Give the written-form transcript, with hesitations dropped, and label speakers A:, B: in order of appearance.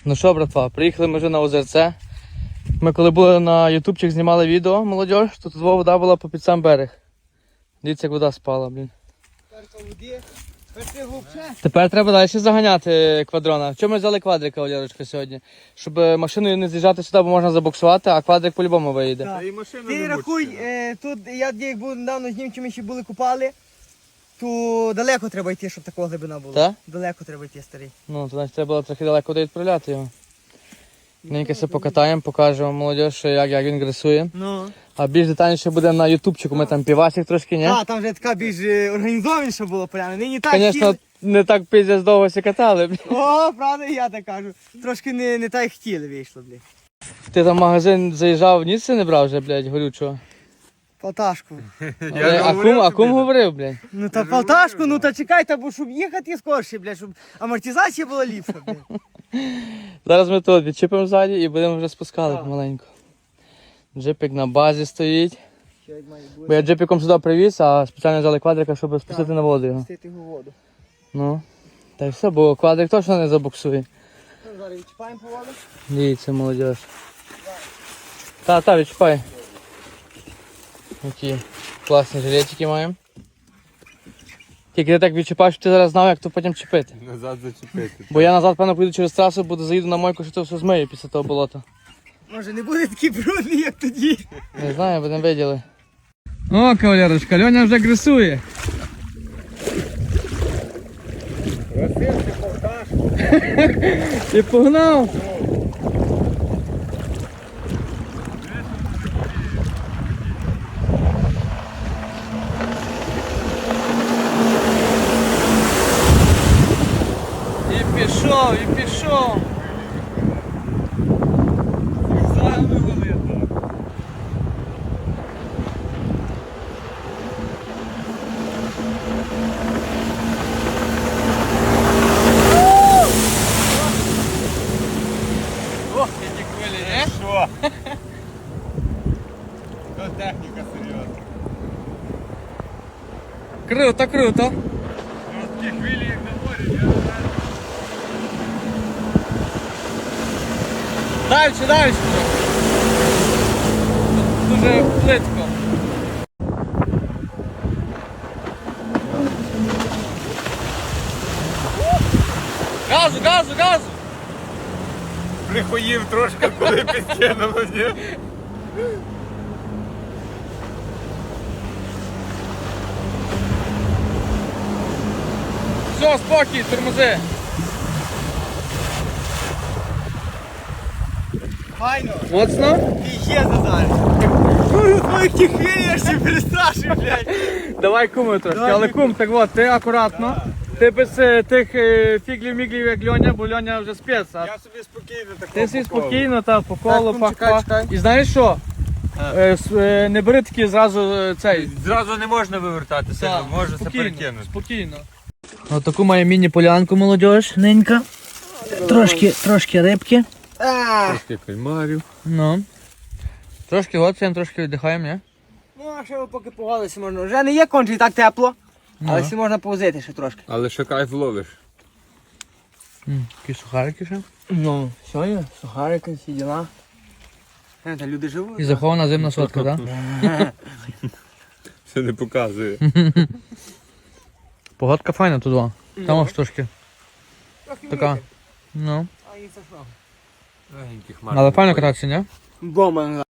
A: Ну що, братва, приїхали ми вже на озерце. Ми коли були на ютубчик, знімали відео, молодіж, то тут вода була по під сам берег. Дивіться, як вода спала, блін. Тепер треба далі заганяти квадрона. Чому ми взяли квадрика, Олярочка, сьогодні? Щоб машиною не з'їжджати сюди, бо можна забуксувати, а квадрик по-любому виїде.
B: Да. Ти рахуй, тут я як був недавно з німцями ще були купали, то далеко треба йти, щоб така глибина була.
A: Так?
B: Далеко треба йти, старий.
A: Ну, то значить треба було трохи далеко відправляти його. Ненька все покатаємо, покажемо молодіж, що як він гресує.
B: Ну.
A: А більш детальніше буде на ютубчику, ми там півасик трошки, ні?
B: Так, там вже така більш організованіша була поляна. Нині так
A: Звісно, не так пиздець довго всі катали.
B: О, правда, я так кажу. Трошки не так як хотіли вийшло, блядь.
A: Ти там в магазин заїжджав, ніц не брав вже, блядь, горючого.
B: Полташку.
A: А кум говорив, блядь.
B: Ну та полташку, ну та чекай, та бо щоб їхати скорше, блядь, щоб амортизація була ліпша, блядь.
A: Зараз ми тут відчіпимо ззаді і будемо вже спускали помаленьку. Джипик на базі стоїть.
B: Що як має
A: Бо
B: бути?
A: я джипіком сюди привіз, а спеціально взяли квадрика, щоб спустити на воду його.
B: Пустити його в воду.
A: Ну, та й все, бо квадрик точно не забуксує.
B: Ну, зараз відчіпаємо по воду.
A: Дивіться, молодіж. Та, відчіпай. Які класні жилетики маємо. Тільки ти так відчіпаєш, щоб ти зараз знав, як то потім чіпити.
C: Назад зачепити.
A: Бо я назад, певно, поїду через трасу, заїду на мойку, що це все змию після того болота.
B: Може не буде такий брудний, як тоді.
A: Не знаю, будемо виділи. О, кавалерочка, Льоня вже гресує.
C: Просився повташку.
A: Ти погнав? І пішов, і пішов. Ох, які хвилі, не?
C: Що? То техніка серйозна.
A: Круто, круто.
C: Такі хвилі, як на морі, я не знаю.
A: Дальше. Тут дуже плитко. Газу!
C: Прихоїв трошки, коли підкинуло, ні?
A: Все, спокій, тормози.
B: Файно.
A: Моцно?
B: Ти є зараз. Ну, твоїх тих хвилі я ще перестрашив, блядь.
A: Давай куми трошки,
B: Давай,
A: але кум, так от, ти акуратно. Ти без тих фіглів-міглів, як Льоня, бо Льоня вже спец. А
C: Я собі спокійно такого
A: ти собі
C: по колу.
A: спокійно, та, по колу,
B: кум,
A: пах-пах.
B: чекай.
A: І знаєш що? Не бери такі зразу цей.
C: Зразу не можна вивертати себе,
A: Так,
C: може це перекинути.
A: Спокійно. Ось таку має міні-полянку, молодіж, ненька. Трошки рибки.
C: Трошки кальмарів.
A: Ну. Трошки лоцаємо, трошки віддихаємо, ні?
B: Ну, а ще поки погалися можна. Вже не є конче і так тепло, але
A: Ну.
B: всі можна повозити ще трошки.
C: Але ще кайф ловиш.
A: Такі сухарики ще.
B: Ну, сьогодні сухарики, всі діла. Та люди живуть.
A: І захована зимна сотка, так?
C: Все не показує.
A: Погодка файна тут два. Там аж трошки.
B: Трохи
A: Така.
B: вітер.
A: Ну.
B: А і це що?
C: Легенькі
A: Але файно кататися, ні?
B: Дома